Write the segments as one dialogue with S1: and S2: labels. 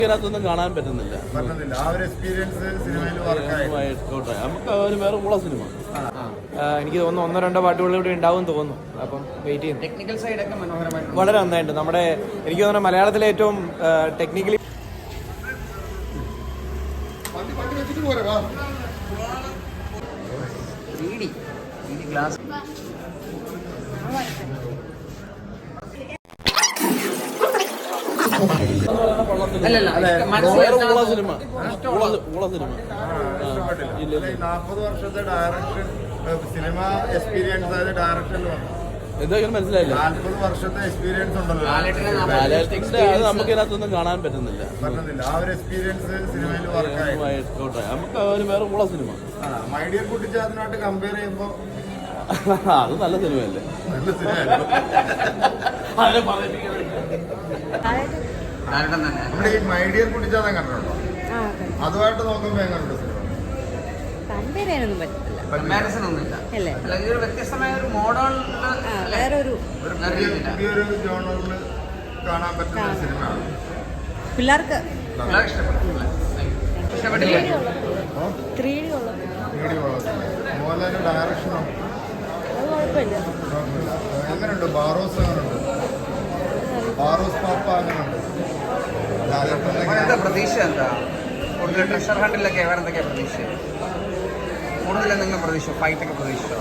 S1: ഇതിനകത്തൊന്നും കാണാൻ പറ്റുന്നില്ല.
S2: ആ ഒരു എക്സ്പീരിയൻസ് സിനിമയിൽ
S1: നമുക്ക് ഒരു വേറെ ഉള്ള സിനിമ.
S3: എനിക്ക് തോന്നുന്നു 1-2 പാട്ടുകൾ ഇവിടെ ഉണ്ടാവും തോന്നുന്നു. അപ്പം വെയിറ്റ് ചെയ്യുന്നു.
S4: ടെക്നിക്കൽ സൈഡൊക്കെ മനോഹരമായിട്ട്
S3: വളരെ നന്നായിട്ട്. നമ്മുടെ എനിക്ക് തോന്നുന്നു മലയാളത്തിലെ ഏറ്റവും ടെക്നിക്കലി
S4: ഗ്ലാസ്
S1: ഉള്ള സിനിമ.
S2: 40 വർഷത്തെ ഡയറക്ഷൻ സിനിമ എക്സ്പീരിയൻസ് ആയത് ഡയറക്ഷനിൽ വന്നു.
S1: എന്തായാലും മനസ്സിലായില്ല.
S2: 40 വർഷത്തെ എക്സ്പീരിയൻസ് ഉണ്ടല്ലോ,
S1: അത് നമുക്ക് ഇതിനകത്തൊന്നും കാണാൻ പറ്റുന്നില്ല.
S2: ആ ഒരു എക്സ്പീരിയൻസ് സിനിമയിൽ വർക്കായി.
S1: നമുക്ക് ഒരു വേറെ ഉള്ള സിനിമ.
S2: മൈ ഡിയർ കുട്ടിച്ചാത്തനായിട്ട് കമ്പയർ ചെയ്യുമ്പോ
S1: അത് നല്ല സിനിമയല്ലേ?
S2: നല്ല സിനിമ. നമ്മുടെ ഈ മൈ ഡിയർ കുട്ടിച്ചാത്തൻ കണ്ടിട്ടുണ്ടോ? അതുമായിട്ട് നോക്കുമ്പോ എങ്ങനെയുണ്ട് സിനിമ?
S5: കമ്പയർ ചെയ്യാനൊന്നും പറ്റില്ല.
S4: കമ്പാരിസൺ ഒന്നുമില്ല. ഒരു വ്യത്യസ്തമായ ഒരു മോഡൽ,
S5: വേറൊരു
S2: പുതിയൊരു ജോണറിൽ കാണാൻ പറ്റുന്ന ഒരു സിനിമയാണ്.
S5: പിള്ളേർക്ക്
S4: ഇഷ്ടപ്പെട്ടില്ലേ?
S2: മോഹൻലാലിന്റെ ഡയറക്ഷനോ
S5: അത് കുഴപ്പമില്ല.
S2: എങ്ങനെയുണ്ട്? ബാറോസ് എങ്ങനെയുണ്ട്? ബാറോസ് പാപ്പ എങ്ങനെയുണ്ട്?
S4: എന്താ പ്രതീക്ഷ? എന്താ കൂടുതൽ ട്രഷർ ഹണ്ടിലൊക്കെ വേറെ എന്തൊക്കെയാ പ്രതീക്ഷ? കൂടുതൽ എന്തെങ്കിലും പ്രതീക്ഷ? ഫൈറ്റൊക്കെ പ്രതീക്ഷിച്ചോ?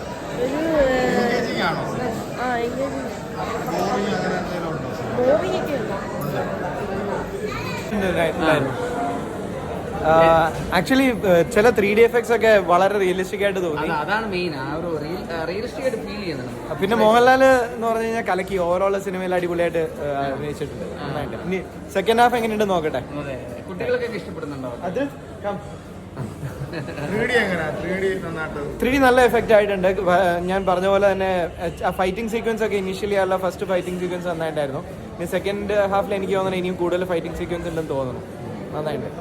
S3: ആക്ച്വലി ചില 3D എഫക്ട്സ് ഒക്കെ വളരെ റിയലിസ്റ്റിക് ആയിട്ട് തോന്നി.
S4: അതാണ് മെയിൻ, ആ ഒരു റിയലിസ്റ്റിക് ആയിട്ട് ഫീൽ ചെയ്യുന്നത്.
S3: പിന്നെ മോഹൻലാൽ എന്ന് പറഞ്ഞു കഴിഞ്ഞാൽ കലക്കി ഓവറോൾ സിനിമയിൽ അടിപൊളിയായിട്ട് അഭിനയിച്ചിട്ടുണ്ട്. ഇനി സെക്കൻഡ് ഹാഫ് എങ്ങനെയുണ്ട് നോക്കട്ടെ.
S4: കുട്ടികളൊക്കെ ഇഷ്ടപ്പെടുന്നുണ്ടോ?
S3: അത്
S2: 3D
S3: നല്ല എഫക്റ്റ് ആയിട്ടുണ്ട്. ഞാൻ പറഞ്ഞ പോലെ തന്നെ ഫൈറ്റിംഗ് സീക്വൻസ് ഒക്കെ ഇനീഷ്യലി ഉള്ള ഫസ്റ്റ് ഫൈറ്റിംഗ് സീക്വൻസ് നന്നായിട്ടായിരുന്നു. ഇനി സെക്കൻഡ് ഹാഫിൽ എനിക്ക് തോന്നുന്നു ഇനിയും കൂടുതൽ ഫൈറ്റിംഗ് സീക്വൻസ് ഉണ്ടെന്ന് തോന്നുന്നു. നന്നായിട്ട്.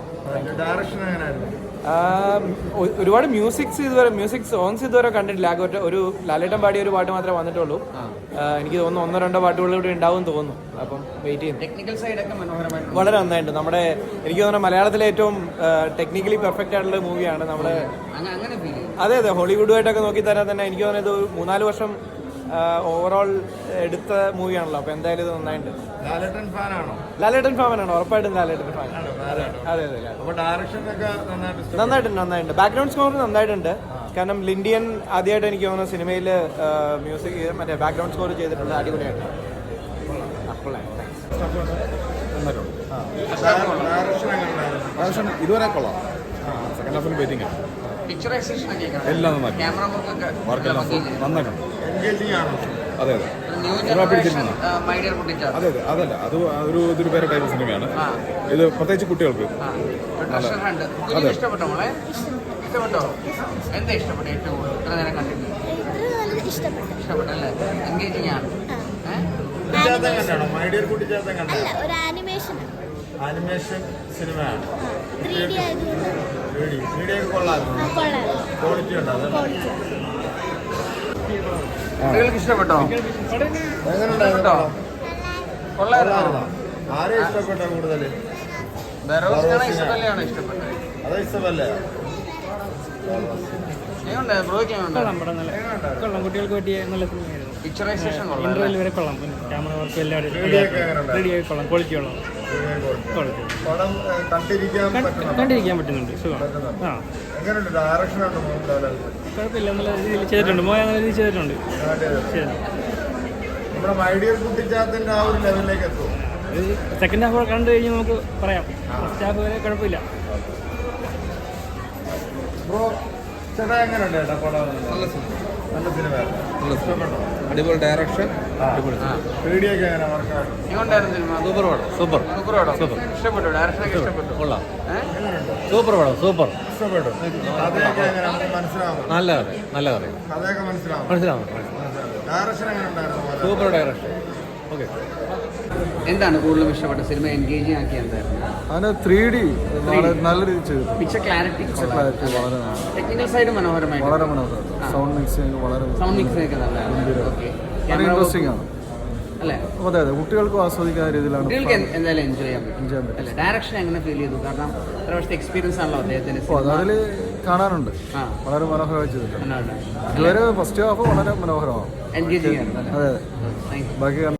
S3: ഒരുപാട് മ്യൂസിക് സോങ്സ് ഇതുവരെ കണ്ടിട്ടില്ല. ആകെ ഒരു ലാലേട്ടൻ പാടിയ ഒരു പാട്ട് മാത്രമേ വന്നിട്ടുള്ളൂ. എനിക്ക് തോന്നുന്നു 1-2 പാട്ടുകൾ ഇവിടെ ഉണ്ടാവും തോന്നുന്നു. അപ്പം വെയിറ്റ് ചെയ്യുന്നു.
S4: ടെക്നിക്കൽ സൈഡൊക്കെ മനോഹരമായിട്ട്
S3: വളരെ നന്നായിട്ട്. നമ്മുടെ എനിക്ക് തോന്നുന്നു മലയാളത്തിലെ ഏറ്റവും ടെക്നിക്കലി പെർഫെക്റ്റ് ആയിട്ടുള്ള മൂവിയാണ് നമ്മുടെ. അതെ, ഹോളിവുഡുമായിട്ടൊക്കെ നോക്കി തരാൻ തന്നെ എനിക്ക് തോന്നുന്നത് 3-4 വർഷം ഓവറോൾ എടുത്ത മൂവിയാണല്ലോ. അപ്പൊ എന്തായാലും ഇത് നന്നായിട്ട്. ലാലേട്ടൻ ഫാനാണോ? ഉറപ്പായിട്ടും ലാലേട്ടൻ ഫാൻ. അതെ. നന്നായിട്ടുണ്ട്. ബാക്ക്ഗ്രൗണ്ട് സ്കോർ നന്നായിട്ടുണ്ട്. കാരണം ലിൻഡിയൻ ആദ്യമായിട്ട് എനിക്ക് തോന്നുന്നു സിനിമയിൽ മ്യൂസിക് മറ്റേ ബാക്ക്ഗ്രൗണ്ട് സ്കോർ ചെയ്തിട്ടുണ്ട്. അടിപൊളിയായിട്ട്.
S6: ഇതുവരെ കൊള്ളാം. സെക്കൻഡ് ഹാഫിന് വെയിറ്റിംഗ് ആണ്. എല്ലാം നന്നായിട്ടുണ്ട്. അതെ. അതല്ല, അത് ഇതൊരു വേറെ ടൈപ്പ് സിനിമയാണ്. ഇത് പ്രത്യേകിച്ച് കുട്ടികൾക്ക്.
S4: അതെ. ഇഷ്ടപ്പെട്ടോ? എന്താ ഇഷ്ടപ്പെട്ടു ഏറ്റവും കൂടുതൽ? ഇത്ര നേരം കണ്ടിട്ട് ഇഷ്ടപ്പെട്ടല്ലേ? എൻഗേജിങ് ആണ്.
S2: ആനിമേഷൻ സിനിമയാണ്.
S4: കുട്ടികൾക്ക് ഇഷ്ടപ്പെട്ടോ? എങ്ങനെയുണ്ടോ? കൊള്ളായിരുന്നോ?
S2: ആരെ ഇഷ്ടപ്പെട്ട കൂടുതൽ?
S4: ഇഷ്ടമല്ലാണ് ഇഷ്ടപ്പെട്ടത്.
S2: അതോ ഇഷ്ടമല്ലേ?
S7: കൊള്ളാം. കുട്ടികൾക്ക് പറ്റിയ നല്ല സിനിമയായിരുന്നു.
S4: പിക്ചറൈസേഷൻ
S7: ഇന്റർവെൽ വരെ കൊള്ളാം. ക്യാമറ വർക്ക് എല്ലാവരും റെഡിയായി കൊള്ളാം. ക്വാളിറ്റി കൊള്ളാം. കണ്ടിരിക്കാൻ പറ്റുന്നുണ്ട്. സുഖം. കുഴപ്പമില്ല. നല്ല രീതിയിൽ ചെയ്തിട്ടുണ്ട്. നല്ല രീതിയിൽ ചെയ്തിട്ടുണ്ട്. സെക്കൻഡ് ഹാഫ് കണ്ടു കഴിഞ്ഞ് നമുക്ക് പറയാം. ഫസ്റ്റ് ഹാഫ് വരെ കുഴപ്പമില്ല.
S6: അടിപൊളി ഡയറക്ഷൻ.
S4: ഇഷ്ടപ്പെട്ടു. ഡയറക്ഷനൊക്കെ ഇഷ്ടപ്പെട്ടു.
S6: കൊള്ളാം. സൂപ്പർ പടം. സൂപ്പർ. നല്ല കഥ. മനസ്സിലാവും. Super direction. ഓക്കെ.
S4: എന്താണ് കൂടുതലും ഇഷ്ടപ്പെട്ട സിനിമ? എൻഗേജിങ് ആക്കി എന്തായിരുന്നു?
S8: അതിന് 3D നല്ല രീതിയിൽ ചെയ്തു.
S4: പിക്ചർ ക്ലാരിറ്റി
S8: വളരെ
S4: ടെക്നിക്കൽ സൈഡ് മനോഹരമായി.
S8: വളരെ മനോഹരം. സൗണ്ട് മിക്സിംഗ് വളരെ
S4: ഒക്കെ നല്ലതാണ്.
S8: ഇൻട്രസ്റ്റിംഗ് ആണ്.
S4: അല്ലേ?
S8: അതെ അതെ, കുട്ടികൾക്കും ആസ്വദിക്കുന്ന രീതിയിലാണ്
S4: കുട്ടികൾക്ക് എന്തായാലും എൻജോയ് ചെയ്യാൻ പറ്റും.
S8: ചെയ്യാൻ പറ്റും.
S4: അല്ലേ? ഡയറക്ഷൻ എങ്ങനെ ഫീൽ ചെയ്തു? കാരണം ഇത്ര വർഷത്തെ എക്സ്പീരിയൻസ് ആണല്ലോ അദ്ദേഹത്തിന്.
S8: അപ്പോൾ അതിൽ കാണാനുണ്ട്,
S4: ആ,
S8: വളരെ മനോഹരമായി ചെയ്തിട്ടുണ്ട്.
S4: എന്നാണ്
S8: ഇതുവരെ ഫസ്റ്റ് ഹാഫ് വളരെ മനോഹരമാണ്.
S4: എൻഗേജിങ് ആണ്.
S8: അതെ അതെ,
S4: താങ്ക് യു.
S8: ബാക്കി